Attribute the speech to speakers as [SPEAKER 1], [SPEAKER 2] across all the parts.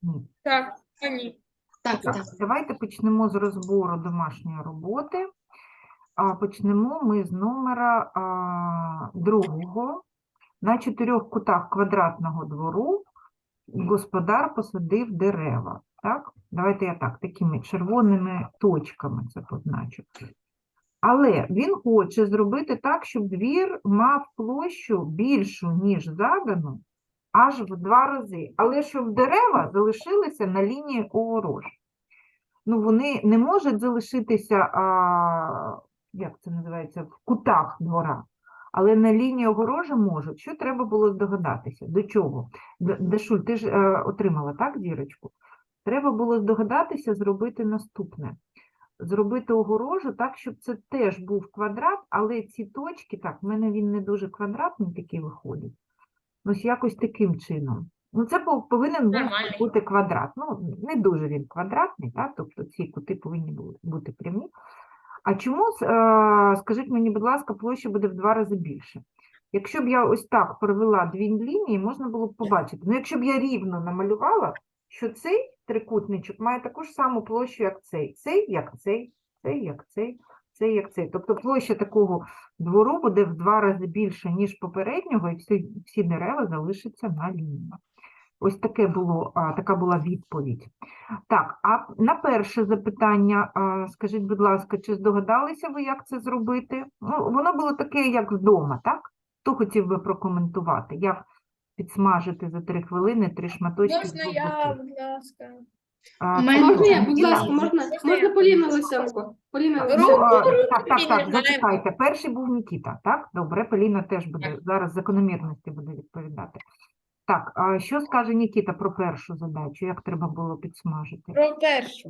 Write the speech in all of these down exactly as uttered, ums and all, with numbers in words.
[SPEAKER 1] Ні.
[SPEAKER 2] Так, ні.
[SPEAKER 3] Так,
[SPEAKER 1] Так,
[SPEAKER 3] так.
[SPEAKER 1] давайте почнемо з розбору домашньої роботи. А почнемо ми з номера а, другого. На чотирьох кутах квадратного двору господар посадив дерева. Так? Давайте я так, такими червоними точками це позначу. Але він хоче зробити так, щоб двір мав площу більшу, ніж задану, аж в два рази. Але щоб дерева залишилися на лінії огорожі. Ну, вони не можуть залишитися, а, як це називається, в кутах двора, але на лінії огорожі можуть. Що треба було здогадатися? До чого? Д- Дашуль, ти ж е, отримала, так, зірочку? Треба було здогадатися зробити наступне. Зробити огорожу так, щоб це теж був квадрат, але ці точки, так, в мене він не дуже квадратний такий виходить. Ось якось таким чином. Ну, це пов- повинен був
[SPEAKER 2] Нормальний.
[SPEAKER 1] бути квадрат. Ну, не дуже він квадратний, так? Тобто ці кути повинні були бути прямі. А чому, с- е, скажіть мені, будь ласка, площа буде в два рази більше? Якщо б я ось так провела дві лінії, можна було б побачити. Ну, якщо б я рівно намалювала, що цей трикутничок має таку ж саму площу, як цей. Цей, як цей, цей, як цей, цей, як цей. Тобто площа такого двору буде в два рази більше, ніж попереднього, і всі, всі дерева залишаться на лінії. Ось таке було, а, така була відповідь. Так, а на перше запитання, а, скажіть, будь ласка, чи здогадалися ви, як це зробити? Ну, воно було таке, як вдома, так? Хто хотів би прокоментувати, як підсмажити за три хвилини три шматочки
[SPEAKER 2] Можна
[SPEAKER 1] з
[SPEAKER 2] я,
[SPEAKER 1] бубликів?
[SPEAKER 2] будь ласка?
[SPEAKER 1] А,
[SPEAKER 3] Мене
[SPEAKER 1] це
[SPEAKER 3] можна я,
[SPEAKER 1] хто?
[SPEAKER 3] будь
[SPEAKER 1] Ніна?
[SPEAKER 3] ласка, можна,
[SPEAKER 2] Можна
[SPEAKER 3] можна
[SPEAKER 2] я?
[SPEAKER 3] Поліна Лисенко? Поліна
[SPEAKER 1] Ну,
[SPEAKER 3] Лисенко.
[SPEAKER 1] а,
[SPEAKER 2] Руку
[SPEAKER 1] так, так, так,
[SPEAKER 2] піднімаємо.
[SPEAKER 1] зачекайте. Перший був Нікіта, так? Добре, Поліна теж буде,
[SPEAKER 2] Так.
[SPEAKER 1] зараз закономірності буде відповідати. Так, а що скаже Нікіта про першу задачу, як треба було підсмажити?
[SPEAKER 2] Про першу.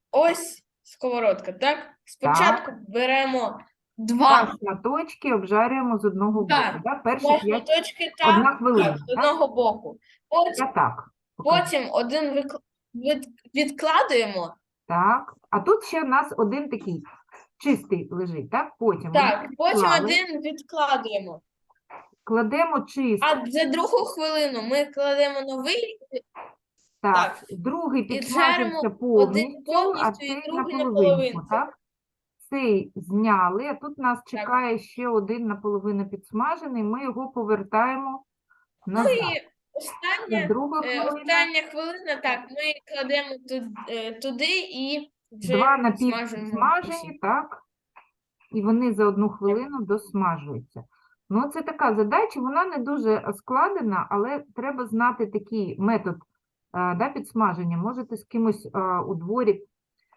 [SPEAKER 2] Ось сковородка, так? Спочатку беремо
[SPEAKER 1] Два
[SPEAKER 2] два,
[SPEAKER 1] шматочки обжарюємо з одного боку.
[SPEAKER 2] Так.
[SPEAKER 1] Да? Перші
[SPEAKER 2] два
[SPEAKER 1] п'ять,
[SPEAKER 2] шматочки
[SPEAKER 1] одна
[SPEAKER 2] так,
[SPEAKER 1] хвилина.
[SPEAKER 2] з
[SPEAKER 1] Так?
[SPEAKER 2] одного боку. Потім,
[SPEAKER 1] Я так. покажу.
[SPEAKER 2] потім один вик- від- відкладуємо.
[SPEAKER 1] Так. А тут ще у нас один такий чистий лежить, так? Потім
[SPEAKER 2] Так,
[SPEAKER 1] один
[SPEAKER 2] потім
[SPEAKER 1] відклали,
[SPEAKER 2] один відкладуємо.
[SPEAKER 1] кладемо чистий.
[SPEAKER 2] А за другу хвилину ми кладемо новий,
[SPEAKER 1] Так,
[SPEAKER 2] так.
[SPEAKER 1] другий
[SPEAKER 2] І
[SPEAKER 1] підсмажився
[SPEAKER 2] жаримо
[SPEAKER 1] повністю,
[SPEAKER 2] один повністю
[SPEAKER 1] а
[SPEAKER 2] і
[SPEAKER 1] цей
[SPEAKER 2] другий
[SPEAKER 1] наполовинку,
[SPEAKER 2] наполовинку.
[SPEAKER 1] так? Цей зняли, а тут нас чекає ще один наполовину підсмажений, ми його повертаємо
[SPEAKER 2] Ну
[SPEAKER 1] назад.
[SPEAKER 2] і
[SPEAKER 1] І
[SPEAKER 2] остання,
[SPEAKER 1] друга
[SPEAKER 2] е,
[SPEAKER 1] хвилина,
[SPEAKER 2] остання хвилина, так, ми кладемо ту- е, туди і вже
[SPEAKER 1] два
[SPEAKER 2] смажимо.
[SPEAKER 1] напівсмажені, так? І вони за одну хвилину досмажуються. Ну, це така задача, вона не дуже складена, але треба знати такий метод е, да, підсмаження. Можете з кимось е, у дворі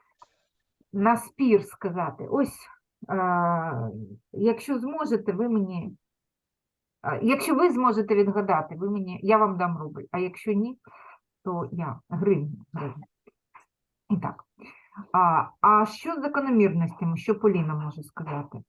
[SPEAKER 1] на спір сказати. Ось, е, якщо зможете, ви мені, е, якщо ви зможете відгадати, ви мені, я вам дам рубль, а якщо ні, то я гривню. гривню. І так. А, а що з закономірностями, що Поліна може сказати?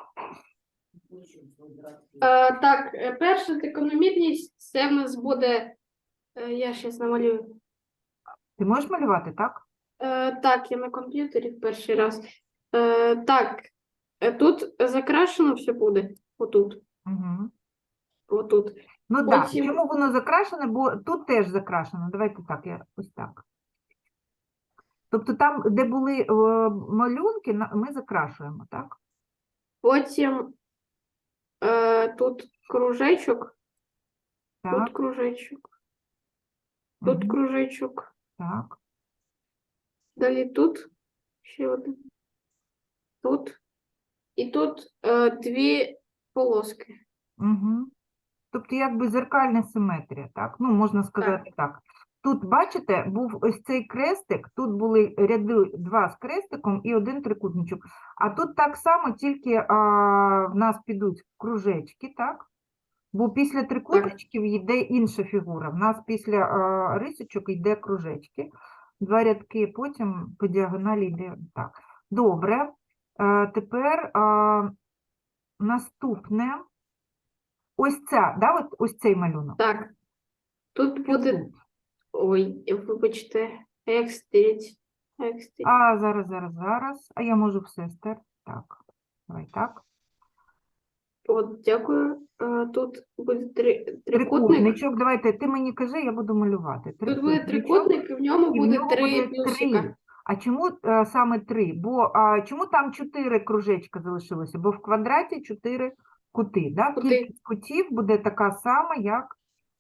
[SPEAKER 3] Е, так, е, перша закономірність, це в нас буде, е, я зараз намалюю.
[SPEAKER 1] Ти можеш малювати, так?
[SPEAKER 3] Е, так, я на комп'ютері в перший раз. Е, так, е, тут закрашено все буде. Отут.
[SPEAKER 1] Угу.
[SPEAKER 3] Отут.
[SPEAKER 1] Ну так,
[SPEAKER 3] Потім-
[SPEAKER 1] чому воно закрашене, бо тут теж закрашено. Давайте так, я ось так. Тобто там, де були е, малюнки, на- ми закрашуємо, так?
[SPEAKER 3] Потім е, тут кружечок,
[SPEAKER 1] Так,
[SPEAKER 3] тут кружечок, тут
[SPEAKER 1] мгм,
[SPEAKER 3] кружечок.
[SPEAKER 1] так.
[SPEAKER 3] Далі тут ще один. Тут. І тут е, дві полоски.
[SPEAKER 1] Угу. Тобто якби зеркальна симетрія, так? Ну, можна сказати так. Тут, бачите, був ось цей крестик, тут були ряди два з крестиком і один трикутничок. А тут так само, тільки а, в нас підуть кружечки, так? Бо після трикутничків йде інша фігура. В нас після а, рисочок йде кружечки. Два рядки, потім по діагоналі йде так. Добре. Е, тепер а, наступне. Ось ця, да, от, ось цей малюнок.
[SPEAKER 3] Так. Тут
[SPEAKER 1] Що
[SPEAKER 3] буде.
[SPEAKER 1] тут?
[SPEAKER 3] Ой, вибачте, як стереть? Як стереть?
[SPEAKER 1] А, зараз, зараз, зараз. А я можу все стерти. Так, давай так.
[SPEAKER 3] От, дякую. Е, Тут буде три, трикутник.
[SPEAKER 1] Трикутничок, давайте, ти мені кажи, я буду малювати.
[SPEAKER 3] Тут буде
[SPEAKER 1] Трикутничок.
[SPEAKER 3] трикутник, і в ньому
[SPEAKER 1] І в
[SPEAKER 3] буде
[SPEAKER 1] нього
[SPEAKER 3] три
[SPEAKER 1] буде
[SPEAKER 3] плюсика.
[SPEAKER 1] три. А чому е, саме три? Бо а, чому там чотири кружечка залишилося? Бо в квадраті чотири кути. Да?
[SPEAKER 3] Кути.
[SPEAKER 1] Кількість кутів буде така сама, як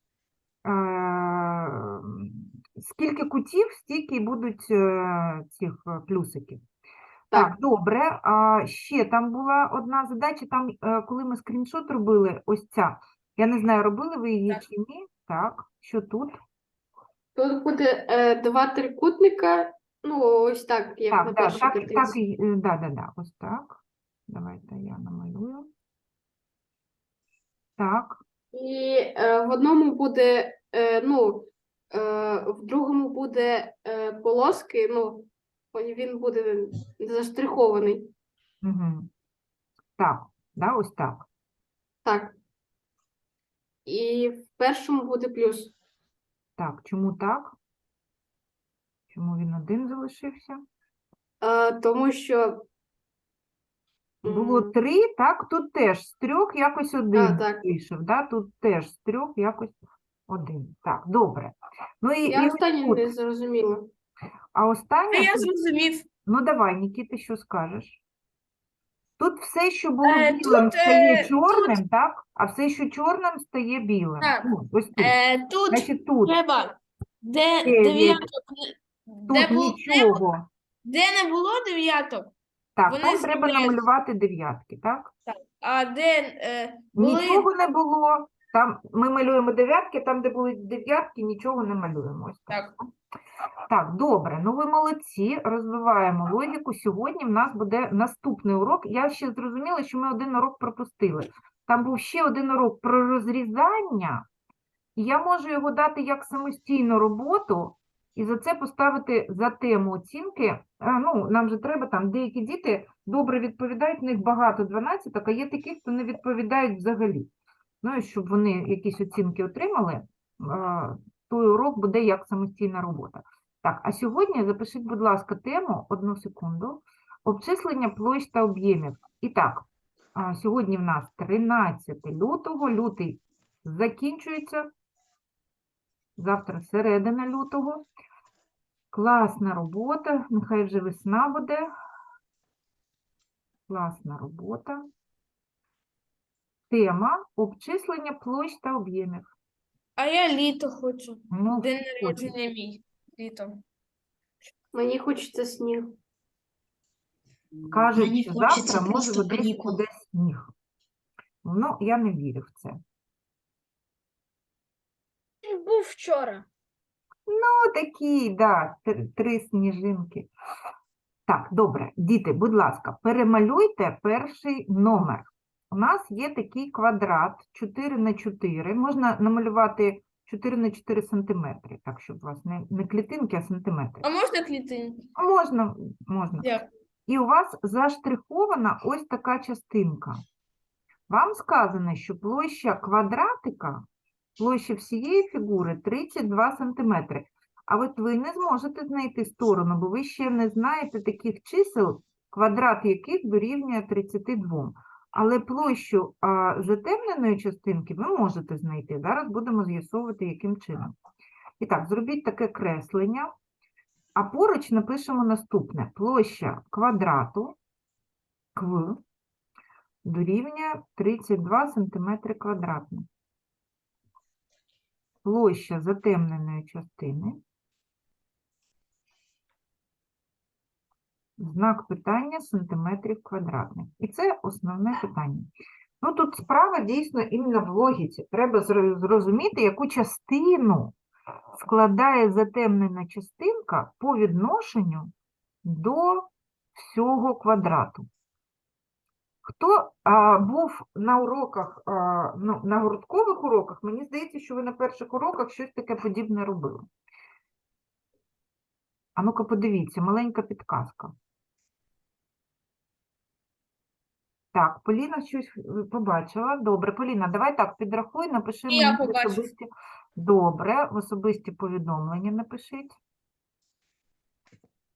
[SPEAKER 1] е, скільки кутів, стільки й будуть е, цих е, плюсиків. Так,
[SPEAKER 3] Так.
[SPEAKER 1] добре. А ще там була одна задача, там, е, коли ми скріншот робили, ось ця. Я не знаю, робили ви її
[SPEAKER 2] Так.
[SPEAKER 1] чи ні. Так, що тут?
[SPEAKER 3] Тут буде е, два трикутника. Ну, ось так, як на
[SPEAKER 1] Так, да,
[SPEAKER 3] першій
[SPEAKER 1] так,
[SPEAKER 3] картинці.
[SPEAKER 1] так, і- е, да, да, да, ось так. Давайте я намалюю. Так,
[SPEAKER 3] І е, в одному буде, е, ну, е, в другому буде е, полоски, ну, він буде заштрихований.
[SPEAKER 1] угу. Так, да, ось так.
[SPEAKER 3] Так. І в першому буде плюс.
[SPEAKER 1] Так, чому так? Чому він один залишився?
[SPEAKER 3] Е, тому що.
[SPEAKER 1] Було
[SPEAKER 3] м,
[SPEAKER 1] три, так, тут теж з трьох якось один
[SPEAKER 3] так.
[SPEAKER 1] вийшов, да? Тут теж з трьох якось один. Так, добре. Ну і,
[SPEAKER 3] Я
[SPEAKER 1] і ось
[SPEAKER 3] останнє
[SPEAKER 1] тут.
[SPEAKER 3] не зрозуміла.
[SPEAKER 1] А
[SPEAKER 2] Та
[SPEAKER 1] останнє,
[SPEAKER 2] я
[SPEAKER 1] тут-
[SPEAKER 2] зрозумів.
[SPEAKER 1] ну давай, Нікіта, що скажеш? Тут все, що було
[SPEAKER 2] Е,
[SPEAKER 1] білим,
[SPEAKER 2] тут,
[SPEAKER 1] стає
[SPEAKER 2] е,
[SPEAKER 1] чорним, так? А все, що чорним, стає білим.
[SPEAKER 2] Так.
[SPEAKER 1] Ну, ось тут.
[SPEAKER 2] Е, тут
[SPEAKER 1] Значить, тут
[SPEAKER 2] треба, де
[SPEAKER 1] дев'ять,
[SPEAKER 2] дев'яток, не- де,
[SPEAKER 1] тут
[SPEAKER 2] бу-
[SPEAKER 1] нічого.
[SPEAKER 2] де не було дев'яток,
[SPEAKER 1] Так,
[SPEAKER 2] вони
[SPEAKER 1] там треба
[SPEAKER 2] з'являються.
[SPEAKER 1] намалювати дев'ятки, так?
[SPEAKER 2] а де е, були
[SPEAKER 1] Нічого не було. Там ми малюємо дев'ятки, там, де були дев'ятки, нічого не малюємо. Ось так.
[SPEAKER 2] Так.
[SPEAKER 1] Так, добре. Ну ви молодці, розвиваємо логіку. Сьогодні в нас буде наступний урок. Я ще зрозуміла, що ми один урок пропустили. Там був ще один урок про розрізання, і я можу його дати як самостійну роботу, і за це поставити за тему оцінки. А, ну, нам же треба, там деякі діти добре відповідають, в них багато дванадцяток, а є такі, хто не відповідають взагалі. Ну, і щоб вони якісь оцінки отримали, а, той урок буде як самостійна робота. Так, а сьогодні запишіть, будь ласка, тему, одну секунду, обчислення площ та об'ємів. І так, а, сьогодні в нас тринадцяте лютого, лютий закінчується, завтра середина лютого. Класна робота, нехай вже весна буде. Класна робота. Тема обчислення площ та об'ємів.
[SPEAKER 2] А я літо хочу.
[SPEAKER 1] Ну,
[SPEAKER 2] День
[SPEAKER 1] хочеш.
[SPEAKER 2] народження мій. Літо.
[SPEAKER 3] Мені хочеться сніг.
[SPEAKER 1] Кажуть,
[SPEAKER 4] Мені
[SPEAKER 1] що
[SPEAKER 4] хочеться
[SPEAKER 1] завтра може
[SPEAKER 4] просто
[SPEAKER 1] в Одесі
[SPEAKER 4] канікул.
[SPEAKER 1] буде сніг. Ну, я не вірю в це.
[SPEAKER 2] Був вчора.
[SPEAKER 1] Ну, такі, да, три, три сніжинки. Так, добре, діти, будь ласка, перемалюйте перший номер. У нас є такий квадрат чотири на чотири. Можна намалювати чотири на чотири сантиметри, так, щоб у вас не, не клітинки, а сантиметри.
[SPEAKER 2] А можна клітинки?
[SPEAKER 1] Можна, можна.
[SPEAKER 2] Дякую.
[SPEAKER 1] І у вас заштрихована ось така частинка. Вам сказано, що площа квадратика, площа всієї фігури тридцять два сантиметри. А от ви не зможете знайти сторону, бо ви ще не знаєте таких чисел, квадрат яких дорівнює тридцяти двом. Але площу а, затемненої частинки ви можете знайти. Зараз будемо з'ясовувати, яким чином. І так, зробіть таке креслення. А поруч напишемо наступне. Площа квадрату кв дорівнює тридцять два сантиметри квадратних. Площа затемненої частини. Знак питання сантиметрів квадратних. І це основне питання. Ну, тут справа дійсно іменно в логіці. Треба зро- зрозуміти, яку частину складає затемнена частинка по відношенню до всього квадрату. Хто а, був на уроках, а, ну, на гурткових уроках, мені здається, що ви на перших уроках щось таке подібне робили. А ну-ка подивіться, маленька підказка. Так, Поліна щось е, побачила. Добре, Поліна, давай так, підрахуй, напиши
[SPEAKER 2] І я
[SPEAKER 1] мені в
[SPEAKER 2] побачу.
[SPEAKER 1] особисті. Добре, в особисті повідомлення напишіть.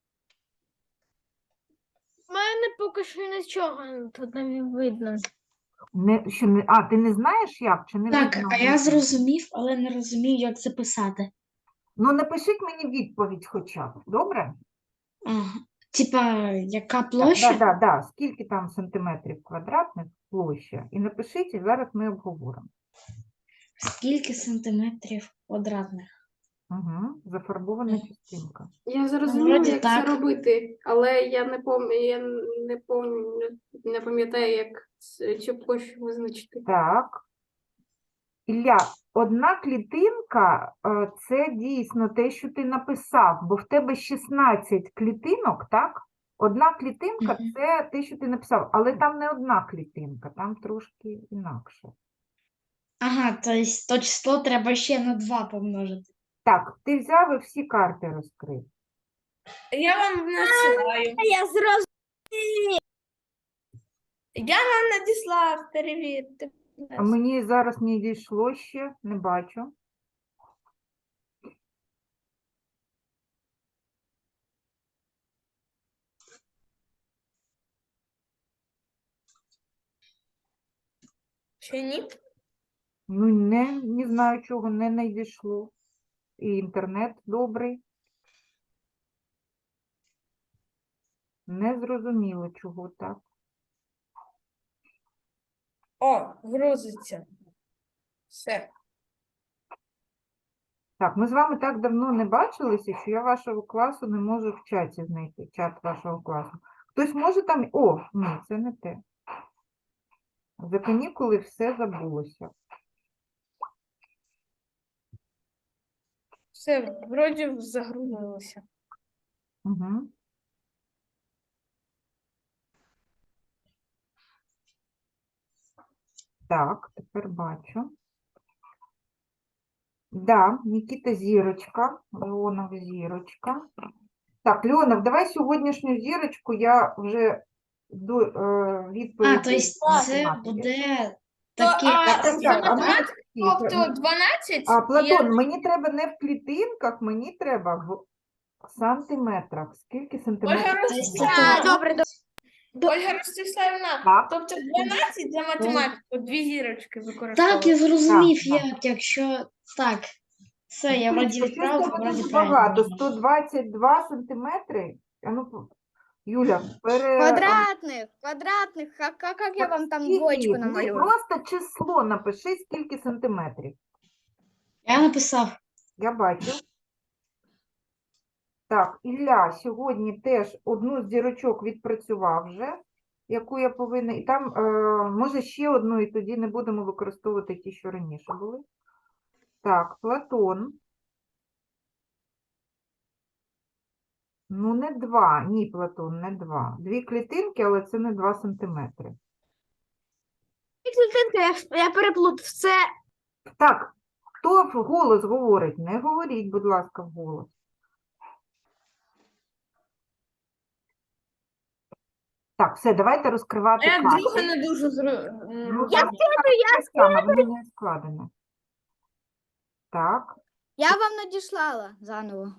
[SPEAKER 5] У мене поки що нічого тут не видно.
[SPEAKER 1] Не, що не, а, ти не знаєш як? Чи не
[SPEAKER 4] Так,
[SPEAKER 1] видно
[SPEAKER 4] а я
[SPEAKER 1] внизу?
[SPEAKER 4] зрозумів, але не розумію, як це писати.
[SPEAKER 1] Ну, напишіть мені відповідь хоча б, добре?
[SPEAKER 4] Ага. Типа, яка
[SPEAKER 1] Так,
[SPEAKER 4] площа?
[SPEAKER 1] да, да, да. Скільки там сантиметрів квадратних площа? І напишіть, і зараз ми обговоримо.
[SPEAKER 4] Скільки сантиметрів квадратних?
[SPEAKER 1] Угу. Зафарбована
[SPEAKER 4] Мгм.
[SPEAKER 1] частинка.
[SPEAKER 3] Я зрозуміла,
[SPEAKER 4] вроді
[SPEAKER 3] як
[SPEAKER 4] так.
[SPEAKER 3] це робити, але я не пам'ятаю, я не пам'ятаю, не пам'ятаю, як це- цю площу визначити.
[SPEAKER 1] Так. Ілля, одна клітинка е, – це дійсно те, що ти написав, бо в тебе шістнадцять клітинок, так? Одна клітинка
[SPEAKER 4] Мгм.
[SPEAKER 1] – це те, що ти написав, але там не одна клітинка, там трошки інакше.
[SPEAKER 4] Ага, то есть то число треба ще на два помножити.
[SPEAKER 1] Так, ти взяв і всі карти розкрив.
[SPEAKER 2] Я вам надсилаю.
[SPEAKER 5] Я зрозумів.
[SPEAKER 2] Я вам надіслав, перевірте. будь
[SPEAKER 1] А
[SPEAKER 2] ласка.
[SPEAKER 1] мені зараз не дійшло ще, не бачу.
[SPEAKER 2] Ще ні?
[SPEAKER 1] Ну, не, не знаю, чого не надійшло. І інтернет добрий. Не зрозуміло, чого так.
[SPEAKER 2] О, грузиться. Все.
[SPEAKER 1] Так, ми з вами так давно не бачилися, що я вашого класу не можу в чаті знайти, чат вашого класу. Хтось може там... О, ні, це не те. За канікули все забулося.
[SPEAKER 2] Все, вроді загрузилося.
[SPEAKER 1] Угу. Так, тепер бачу. Да, Нікіта зірочка, Леонов зірочка. Так, Леонов, давай сьогоднішню зірочку я вже до е, відповіді.
[SPEAKER 4] А, то есть
[SPEAKER 1] на
[SPEAKER 4] це
[SPEAKER 1] математиці.
[SPEAKER 4] буде
[SPEAKER 2] То,
[SPEAKER 4] таке.
[SPEAKER 2] а,
[SPEAKER 1] Так,
[SPEAKER 2] за
[SPEAKER 1] так, а ми
[SPEAKER 2] математику,
[SPEAKER 1] всі,
[SPEAKER 2] тобто дванадцять,
[SPEAKER 1] А,
[SPEAKER 2] я-
[SPEAKER 1] Платон, мені треба не в клітинках, мені треба в сантиметрах. Скільки сантиметрів?
[SPEAKER 2] Ольга
[SPEAKER 4] То есть
[SPEAKER 2] Ростиславівна,
[SPEAKER 4] це
[SPEAKER 5] Добре, добре.
[SPEAKER 2] Ольга Ростиславівна,
[SPEAKER 1] Так.
[SPEAKER 2] тобто дванадцять за математику, дві зірочки
[SPEAKER 4] Так, я
[SPEAKER 2] використовують.
[SPEAKER 4] зрозумів,
[SPEAKER 1] Так,
[SPEAKER 4] як, якщо так. Все, я вроді
[SPEAKER 1] Юлечка, щось
[SPEAKER 4] вправ,
[SPEAKER 1] тебе
[SPEAKER 4] вроді
[SPEAKER 1] дуже
[SPEAKER 4] правильно.
[SPEAKER 1] багато.
[SPEAKER 4] можна.
[SPEAKER 1] сто двадцять два сантиметри. А ну, по- Юля, пере...
[SPEAKER 5] Квадратних, квадратних. А как, как я вам там
[SPEAKER 1] Скільки
[SPEAKER 5] двоечку
[SPEAKER 1] їх? Ні,
[SPEAKER 5] намалюю?
[SPEAKER 1] просто число напиши, скільки сантиметрів.
[SPEAKER 4] Я написав.
[SPEAKER 1] Я бачу. Так, Ілля сьогодні теж одну з зірочок відпрацював вже, яку я повинна. І там, е, може, ще одну, і тоді не будемо використовувати ті, що раніше були. Так, Платон. Ну, не два. Ні, Платон, не два. Дві клітинки, але це не два сантиметри.
[SPEAKER 5] Я, я переплутав. Це
[SPEAKER 1] Так, хто вголос говорить? Не говоріть, будь ласка, вголос. Так, все, давайте розкривати
[SPEAKER 2] Я
[SPEAKER 1] карти.
[SPEAKER 2] друге не дуже зру...
[SPEAKER 1] Ну,
[SPEAKER 2] м,
[SPEAKER 1] так, так само, воно не складено. Так,
[SPEAKER 5] я вам надіслала заново.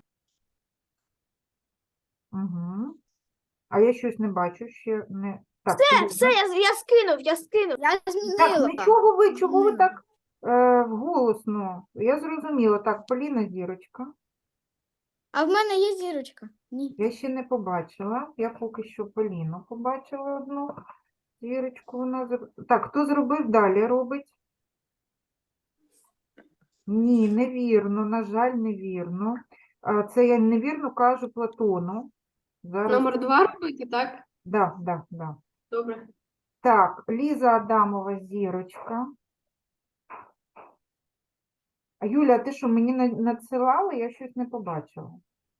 [SPEAKER 1] угу. А я щось не бачу, ще не... Так,
[SPEAKER 5] Все,
[SPEAKER 1] Поліна.
[SPEAKER 5] все, я, я скинув, я скинув. Я
[SPEAKER 1] Так,
[SPEAKER 5] змінила.
[SPEAKER 1] нічого ви, чого ви
[SPEAKER 5] Змінила.
[SPEAKER 1] так е, голосно? Я зрозуміла. Так, Поліна зірочка.
[SPEAKER 5] А в мене є зірочка. Ні.
[SPEAKER 1] Я ще не побачила. Я поки що Поліну побачила одну зірочку. Вона... зр- Так, хто зробив, далі робить? Ні, невірно, на жаль, невірно. А, Це я невірно кажу Платону. Зараз.
[SPEAKER 3] Номер два робити, так?
[SPEAKER 1] Да, да, да.
[SPEAKER 3] Добре.
[SPEAKER 1] Так, Ліза Адамова зірочка. А Юля, ти що, мені на- надсилала? Я щось не побачила.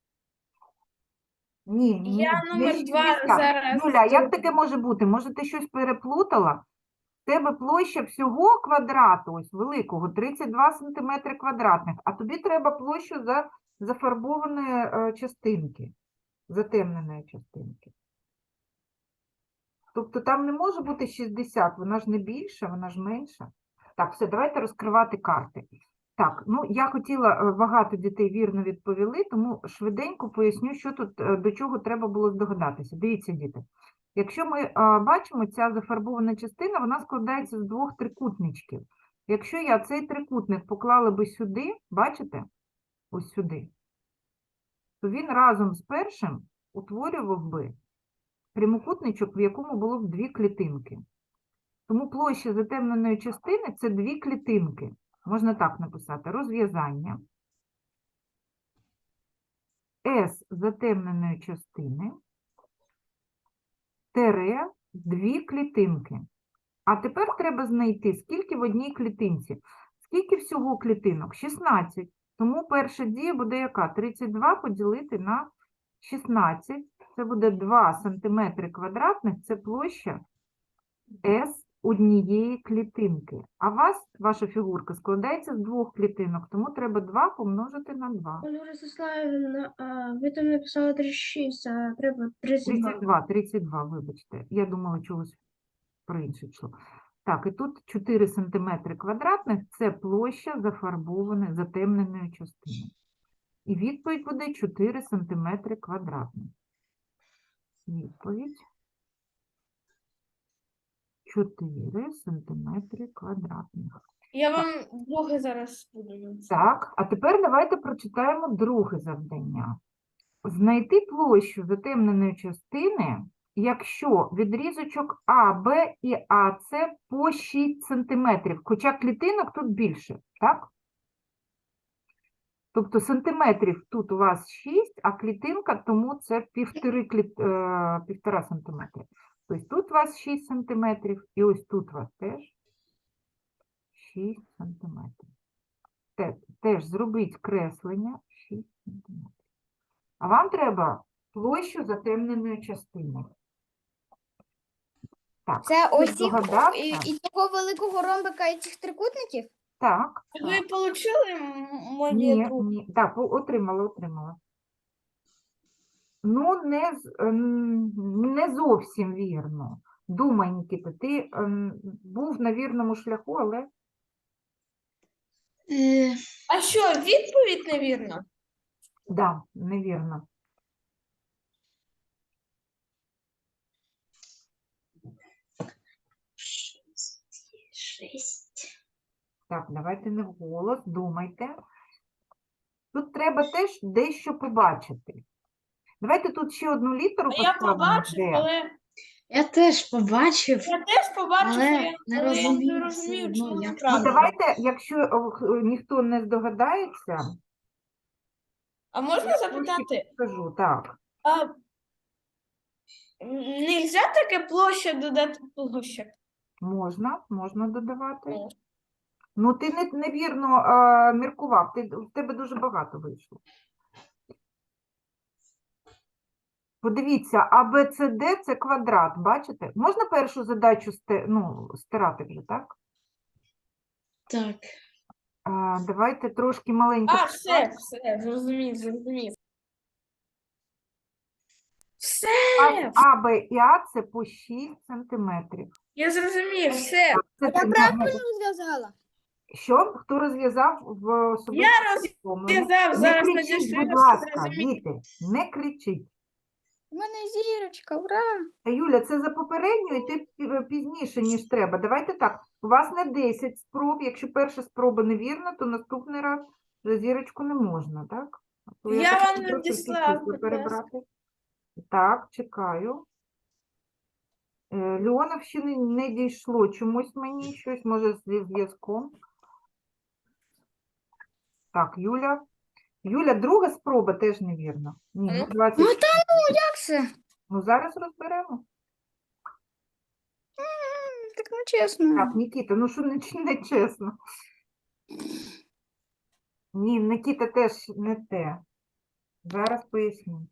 [SPEAKER 1] Ні, ні,
[SPEAKER 2] Я
[SPEAKER 1] не
[SPEAKER 2] номер два
[SPEAKER 1] шістдесят.
[SPEAKER 2] зараз
[SPEAKER 1] Юля, як
[SPEAKER 2] тут.
[SPEAKER 1] таке може бути? Може, ти щось переплутала? В тебе площа всього квадрату, ось великого, тридцять два сантиметри квадратних, а тобі треба площу за зафарбованої е, частинки, затемненої частинки. Тобто там не може бути шістдесят, вона ж не більша, вона ж менша. Так, все, давайте розкривати карти. Так, ну я хотіла, е, багато дітей вірно відповіли, тому швиденько поясню, що тут, е, до чого треба було здогадатися. Дивіться, діти. Якщо ми е, бачимо, ця зафарбована частина, вона складається з двох трикутничків. Якщо я цей трикутник поклала би сюди, бачите, ось сюди, то він разом з першим утворював би прямокутничок, в якому було б дві клітинки. Тому площа затемненої частини – це дві клітинки. Можна так написати. Розв'язання. С затемненої частини тире дві клітинки. А тепер треба знайти, скільки в одній клітинці. Скільки всього клітинок? шістнадцять. Тому перша дія буде яка? тридцять два поділити на шістнадцять. Це буде два сантиметри квадратних. Це площа С однієї клітинки. А у вас, ваша фігурка, складається з двох клітинок, тому треба два помножити на два.
[SPEAKER 6] Ольга Ростиславівна, а ви там написали тридцять шість, а треба тридцять два.
[SPEAKER 1] тридцять два, тридцять два, вибачте. Я думала, чогось про інше йшло. Так, і тут чотири сантиметри квадратних – це площа зафарбованої, затемненої частини. І відповідь буде чотири сантиметри квадратних. Відповідь чотири сантиметри квадратних.
[SPEAKER 2] Я вам друге зараз буду.
[SPEAKER 1] Так, а тепер давайте прочитаємо друге завдання. Знайти площу затемненої частини, якщо відрізочок А, Б і АС по шість сантиметрів, хоча клітинок тут більше, так? Тобто сантиметрів тут у вас шість, а клітинка, тому це півтори, кліт... е, півтора сантиметри. Тобто тут у вас шість сантиметрів, і ось тут у вас теж шість сантиметрів. Те- Теж зробіть креслення шість сантиметрів. А вам треба площу затемненої частини. Так,
[SPEAKER 5] Це
[SPEAKER 1] хтось
[SPEAKER 5] ось цих,
[SPEAKER 1] здогадався?
[SPEAKER 5] і, і того великого ромбика і цих трикутників?
[SPEAKER 1] Так,
[SPEAKER 2] Ви
[SPEAKER 1] так.
[SPEAKER 2] отримали моє
[SPEAKER 1] Ні,
[SPEAKER 2] друге?
[SPEAKER 1] ні. Так, по- отримала, отримала. Ну, не, з- ем, не зовсім вірно. Думай, Нікіта, ти ем, був на вірному шляху, але
[SPEAKER 4] Е,
[SPEAKER 2] А що, відповідь невірна?
[SPEAKER 1] да, невірно.
[SPEAKER 4] шість.
[SPEAKER 1] Так, давайте не вголос, думайте. Тут треба теж дещо побачити. Давайте тут ще одну літеру
[SPEAKER 2] А я
[SPEAKER 1] поставимо.
[SPEAKER 2] побачив,
[SPEAKER 1] «Д».
[SPEAKER 2] але
[SPEAKER 4] Я теж побачив,
[SPEAKER 2] я теж побачив,
[SPEAKER 4] але
[SPEAKER 2] але,
[SPEAKER 4] не
[SPEAKER 2] але я
[SPEAKER 4] розумію
[SPEAKER 2] не
[SPEAKER 4] все
[SPEAKER 2] розумію,
[SPEAKER 4] одно,
[SPEAKER 2] чому
[SPEAKER 4] як
[SPEAKER 1] Ну,
[SPEAKER 2] неправильно.
[SPEAKER 1] давайте, якщо о, х- ніхто не здогадається,
[SPEAKER 2] А можна
[SPEAKER 1] я трошки
[SPEAKER 2] запитати,
[SPEAKER 1] скажу, так.
[SPEAKER 2] а нельзя таке площа додати площа?
[SPEAKER 1] Можна, можна додавати.
[SPEAKER 2] Можна.
[SPEAKER 1] Ну, ти не, невірно а, міркував, ти, в тебе дуже багато вийшло. Подивіться, А, Б, С, Д – це квадрат, бачите? Можна першу задачу сте, ну, стирати вже, так?
[SPEAKER 4] так.
[SPEAKER 1] А, давайте трошки маленько.
[SPEAKER 2] А, все, все, зрозумів, зрозумів. Все,
[SPEAKER 1] А, А, Б і А – це по шість сантиметрів.
[SPEAKER 2] я зрозумів, все.
[SPEAKER 1] Це
[SPEAKER 5] Я
[SPEAKER 1] ти-
[SPEAKER 5] правильно розв'язала?
[SPEAKER 1] Що? Хто розв'язав в особистому
[SPEAKER 2] Я
[SPEAKER 1] повідомленні?
[SPEAKER 2] розв'язав,
[SPEAKER 1] Не
[SPEAKER 2] зараз
[SPEAKER 1] кричіть,
[SPEAKER 2] надішлю,
[SPEAKER 1] будь
[SPEAKER 2] я
[SPEAKER 1] ласка,
[SPEAKER 2] зрозумів.
[SPEAKER 1] діти, не кричіть.
[SPEAKER 5] У мене зірочка, ура!
[SPEAKER 1] Та, Юля, це за попередню, і ти пі- пізніше, ніж треба. Давайте так, у вас не десять спроб, якщо перша спроба невірна, то наступний раз вже зірочку не можна, так? То
[SPEAKER 2] Я
[SPEAKER 1] так
[SPEAKER 2] вам
[SPEAKER 1] просто всі
[SPEAKER 2] надіслав,
[SPEAKER 1] числа
[SPEAKER 2] будь ласка.
[SPEAKER 1] перебрати. Так, чекаю. Е, Леонов ще не, не дійшло чомусь мені, щось може зі зв'язком. Так, Юля. Юля, друга спроба теж невірна. Ні, ну
[SPEAKER 2] Ну,
[SPEAKER 1] двадцять.
[SPEAKER 5] Ну, та Як це?
[SPEAKER 1] Ну, зараз розберемо.
[SPEAKER 5] М, Так не чесно.
[SPEAKER 1] Так, Нікіта, ну що не, ч- не чесно. Ні, Нікіта теж не те. Зараз поясню.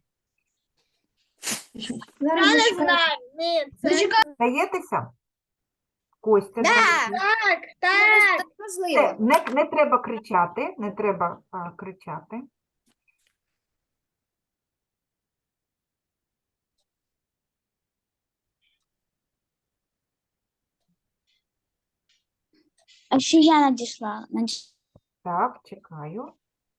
[SPEAKER 6] Зараз
[SPEAKER 5] Я не
[SPEAKER 6] зачекаю.
[SPEAKER 5] знаю. Ні, це
[SPEAKER 1] Даєтеся? Костя,
[SPEAKER 5] Да.
[SPEAKER 1] здається.
[SPEAKER 2] Так,
[SPEAKER 5] так
[SPEAKER 1] Це,
[SPEAKER 5] можливо.
[SPEAKER 1] не, не треба кричати, не треба а, кричати.
[SPEAKER 5] А ще я надійшла.
[SPEAKER 1] Так, чекаю.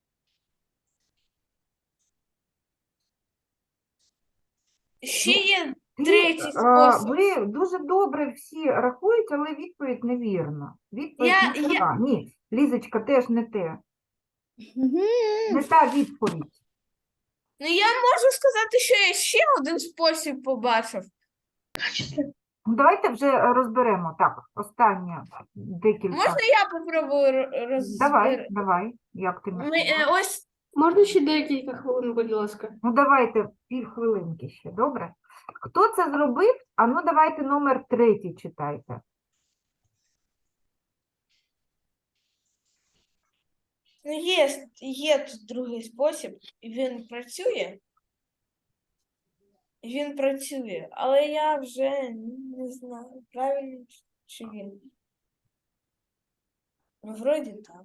[SPEAKER 2] Ще є
[SPEAKER 1] Ти,
[SPEAKER 2] третій
[SPEAKER 1] е,
[SPEAKER 2] спосіб.
[SPEAKER 1] ви дуже добре всі рахуєте, але відповідь невірна. Відповідь
[SPEAKER 2] Я-
[SPEAKER 1] не
[SPEAKER 2] я-
[SPEAKER 1] така. Ні, Лізочка, теж не те.
[SPEAKER 5] Мгм.
[SPEAKER 1] Не та відповідь.
[SPEAKER 2] Ну, я можу сказати, що я ще один спосіб побачив.
[SPEAKER 1] Ну, давайте вже е, розберемо. Так, останнє декілька.
[SPEAKER 2] Можна я попробую ро- роз...
[SPEAKER 1] Давай, давай, як ти
[SPEAKER 2] Ми,
[SPEAKER 1] мислиш?
[SPEAKER 2] е, ось
[SPEAKER 3] Можна ще декілька хвилин, будь ласка?
[SPEAKER 1] Ну, давайте півхвилинки ще, добре? Хто це зробив? А ну, давайте номер третій читайте.
[SPEAKER 2] ну, є, є тут другий спосіб, і він працює. Він працює, але я вже не знаю, правильно чи він. Ну, вроді так.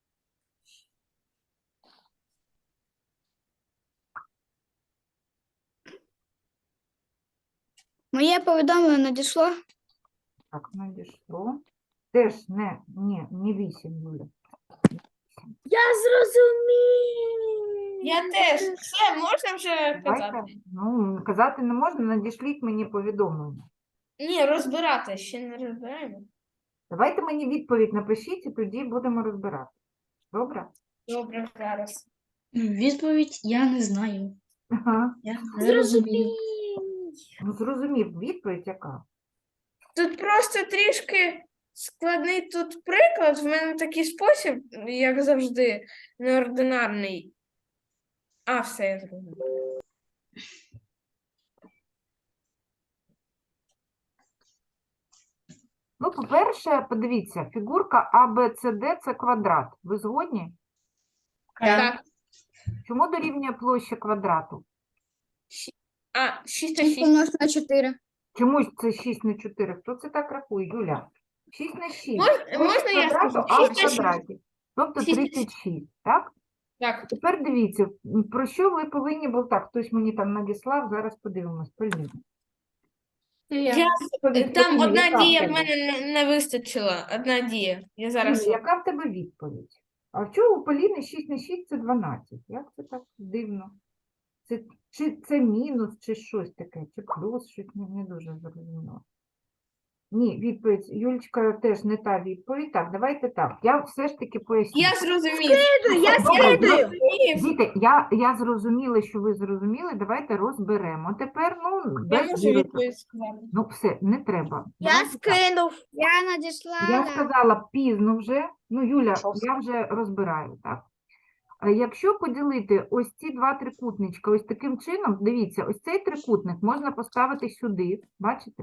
[SPEAKER 5] Моє повідомлення надійшло.
[SPEAKER 1] Так, надійшло. Теж не, ні, не вісім, Юля.
[SPEAKER 6] Я зрозумів.
[SPEAKER 2] Я теж. Все, можна вже
[SPEAKER 1] Давайте,
[SPEAKER 2] казати?
[SPEAKER 1] ну, казати не можна, надішліть мені повідомлення.
[SPEAKER 2] Ні, розбирати, ще не розбираємо.
[SPEAKER 1] Давайте мені відповідь напишіть, і тоді будемо розбирати. Добре?
[SPEAKER 2] Добре, зараз.
[SPEAKER 4] Відповідь я не знаю.
[SPEAKER 1] Ага.
[SPEAKER 4] Я не розумію.
[SPEAKER 1] Ну, зрозумів, відповідь яка?
[SPEAKER 2] Тут просто трішки складний тут приклад. В мене такий спосіб, як завжди, неординарний. А, все, я зрозумів.
[SPEAKER 1] Ну, по-перше, подивіться, фігурка А, Б, С, Д – це квадрат. Ви згодні?
[SPEAKER 2] Так.
[SPEAKER 1] Чому дорівнює площа квадрату?
[SPEAKER 2] А, шість на
[SPEAKER 5] шість
[SPEAKER 2] шість.
[SPEAKER 5] помножити на чотири.
[SPEAKER 1] Чому ж це шість на чотири? Хто це так рахує, Юля? шість на шість.
[SPEAKER 2] Мож-
[SPEAKER 1] Площа
[SPEAKER 2] можна я
[SPEAKER 1] квадрату
[SPEAKER 2] скажу?
[SPEAKER 1] А в
[SPEAKER 2] шість на шість.
[SPEAKER 1] квадраті. Тобто
[SPEAKER 2] шість на
[SPEAKER 1] тридцять шість, так?
[SPEAKER 2] Так.
[SPEAKER 1] Тепер дивіться, м, про що ви повинні були, так, хтось мені там надіслав, зараз подивимось, Поліна.
[SPEAKER 3] Я.
[SPEAKER 2] Я,
[SPEAKER 1] Відповідь,
[SPEAKER 2] там
[SPEAKER 1] Поліна,
[SPEAKER 2] одна
[SPEAKER 1] яка в
[SPEAKER 2] дія в
[SPEAKER 1] тебе?
[SPEAKER 2] мене не, не вистачила. Одна дія. Я зараз.
[SPEAKER 1] Поліна, яка в тебе відповідь? А в чому у Поліни шість на шість – це дванадцять? Як це так дивно? Це, чи це мінус, чи щось таке, чи плюс, щось не, не дуже зрозуміло. Ні, відповідь, Юлечка, теж не та відповідь. Так, давайте так, я все ж таки поясню.
[SPEAKER 2] Я зрозумів.
[SPEAKER 6] Я
[SPEAKER 1] Добре,
[SPEAKER 6] слідую.
[SPEAKER 1] Діти, я, я зрозуміла, що ви зрозуміли, давайте розберемо. Тепер, ну,
[SPEAKER 2] Я
[SPEAKER 1] без
[SPEAKER 2] можу
[SPEAKER 1] вірусу.
[SPEAKER 2] відповідь сказати.
[SPEAKER 1] Ну, все, не треба.
[SPEAKER 5] Я
[SPEAKER 1] Давайте так.
[SPEAKER 5] скинув. Я
[SPEAKER 1] Я
[SPEAKER 5] надіслала.
[SPEAKER 1] сказала пізно вже. Ну, Юля, я вже розбираю, так? А якщо поділити ось ці два трикутничка ось таким чином, дивіться, ось цей трикутник можна поставити сюди, бачите?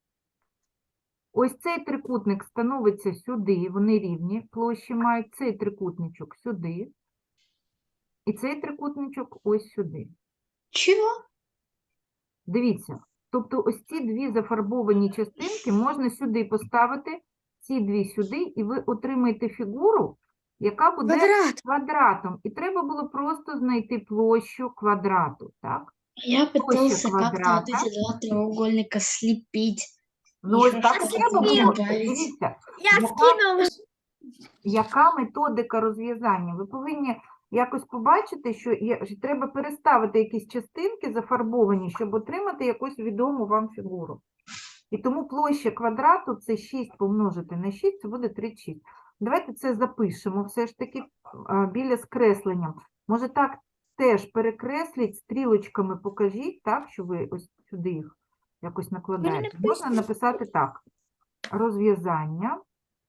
[SPEAKER 1] Ось цей трикутник становиться сюди, вони рівні, площі мають цей трикутничок сюди, і цей трикутничок ось сюди.
[SPEAKER 4] Чого?
[SPEAKER 1] Дивіться, тобто ось ці дві зафарбовані частинки можна сюди поставити, ці дві сюди, і ви отримаєте фігуру, яка буде
[SPEAKER 5] Квадрат.
[SPEAKER 1] квадратом. І треба було просто знайти площу квадрату, так?
[SPEAKER 4] Я пытался как-то
[SPEAKER 1] квадрата.
[SPEAKER 4] вот эти два треугольника слепить.
[SPEAKER 1] Ну, ось
[SPEAKER 4] Еще
[SPEAKER 1] так і
[SPEAKER 4] что-то
[SPEAKER 1] треба було.
[SPEAKER 4] добавить.
[SPEAKER 1] Дивіться,
[SPEAKER 6] Я
[SPEAKER 1] яка,
[SPEAKER 6] скинув.
[SPEAKER 1] яка методика розв'язання? Ви повинні якось побачити, що є, що треба переставити якісь частинки зафарбовані, щоб отримати якусь відому вам фігуру. І тому площа квадрату – це шість помножити на шість, це буде тридцять шість. Давайте це запишемо все ж таки а, біля скресленням. Може так теж перекресліть, стрілочками покажіть, так, що ви ось сюди їх якось накладаєте. Можна написати так. Розв'язання.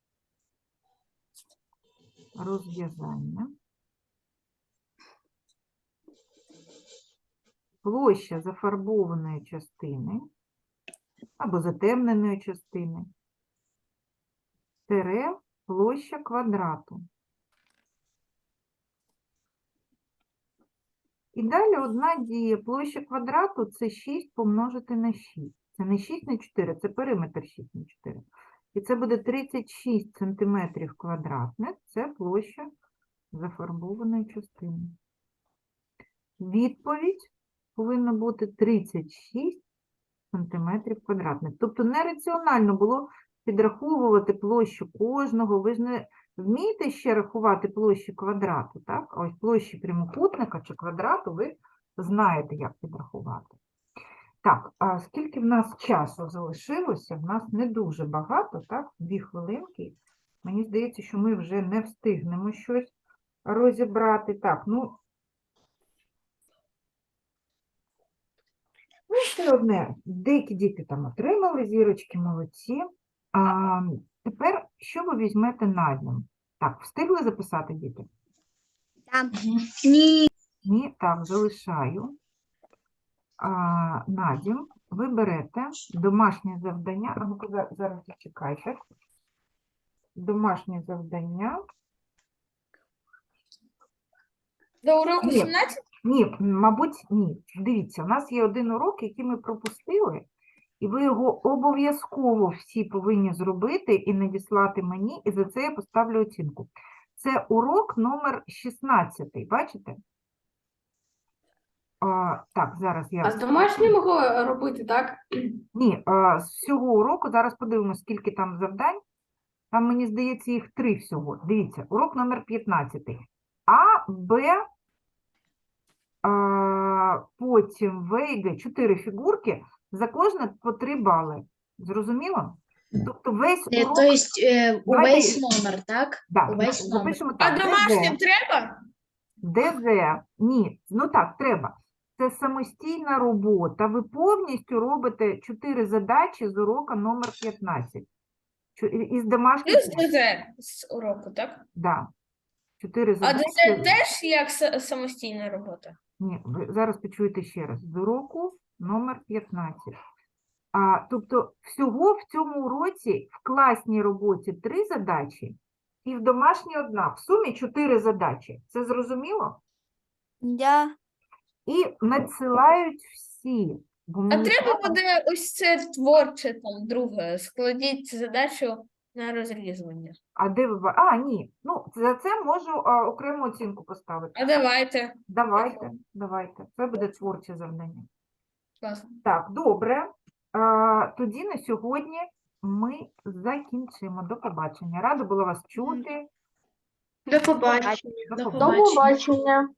[SPEAKER 1] Розв'язання. Площа зафарбованої частини або затемненої частини. Тире площа квадрату. І далі одна дія. Площа квадрату – це шість помножити на шість. Це не шість на чотири, це периметр шість на чотири. І це буде тридцять шість сантиметрів квадратних. Це площа зафарбованої частини. Відповідь повинна бути тридцять шість сантиметрів квадратних. Тобто нераціонально було підраховувати площу кожного. Ви ж не, Вмієте ще рахувати площі квадрату, так? А ось площі прямокутника чи квадрату ви знаєте, як підрахувати. Так, а скільки в нас часу залишилося? В нас не дуже багато, так? Дві хвилинки. Мені здається, що ми вже не встигнемо щось розібрати. Так, ну, ну все одне, деякі діти там отримали зірочки, молодці. А, тепер, що ви візьмете на дім? Так, встигли записати, діти?
[SPEAKER 5] Там.
[SPEAKER 4] Ні.
[SPEAKER 1] Ні, так, залишаю. А, Надім, ви берете домашнє завдання. А ну-ка, за- зараз зачекайте. Домашнє завдання.
[SPEAKER 2] До уроку
[SPEAKER 1] Ні.
[SPEAKER 2] сімнадцять?
[SPEAKER 1] Ні, м, мабуть, ні. Дивіться, у нас є один урок, який ми пропустили, і ви його обов'язково всі повинні зробити і надіслати мені, і за це я поставлю оцінку. Це урок номер шістнадцять, бачите? А, так, зараз я...
[SPEAKER 3] А з домашнім го- робити, так?
[SPEAKER 1] Ні, а, з всього уроку, зараз подивимося, скільки там завдань. Там, мені здається, їх три всього. Дивіться, урок номер п'ятнадцять. А, Б, а, потім В і Г. Чотири фігурки, за кожне по три бали. Зрозуміло? Тобто весь
[SPEAKER 4] Е,
[SPEAKER 1] урок...
[SPEAKER 4] То есть е,
[SPEAKER 1] Давайте-
[SPEAKER 4] увесь номер, так?
[SPEAKER 1] Да,
[SPEAKER 4] увесь номер.
[SPEAKER 1] запишемо
[SPEAKER 2] А
[SPEAKER 1] так.
[SPEAKER 2] домашнім
[SPEAKER 1] ДЗ,
[SPEAKER 2] треба?
[SPEAKER 1] ДЗ, ні, ну так, треба. Це самостійна робота. Ви повністю робите чотири задачі з урока номер п'ятнадцять. Чо- і- Із домашніх...
[SPEAKER 2] Плюс ДЗ з уроку, так?
[SPEAKER 1] Да. Чотири
[SPEAKER 2] А
[SPEAKER 1] задачі.
[SPEAKER 2] ДЗ теж як са- самостійна робота?
[SPEAKER 1] Ні, ви зараз почуєте ще раз. З уроку номер п'ятнадцять. А, тобто всього в цьому уроці в класній роботі три задачі і в домашній одна. В сумі чотири задачі. Це зрозуміло?
[SPEAKER 5] Да.
[SPEAKER 1] І надсилають всі. Бо
[SPEAKER 2] А
[SPEAKER 1] мені
[SPEAKER 2] треба буде ось це творче там друге. Складіть задачу на розрізування.
[SPEAKER 1] А де ви... ба- А, ні. Ну, за це можу а, окрему оцінку поставити.
[SPEAKER 2] А давайте.
[SPEAKER 1] Давайте, давайте. Це буде творче завдання.
[SPEAKER 2] Класно.
[SPEAKER 1] Так, добре. А, тоді на сьогодні ми закінчимо. До побачення. Рада була вас чути.
[SPEAKER 6] До побачення.
[SPEAKER 1] До
[SPEAKER 4] До
[SPEAKER 1] побачення.
[SPEAKER 4] побачення.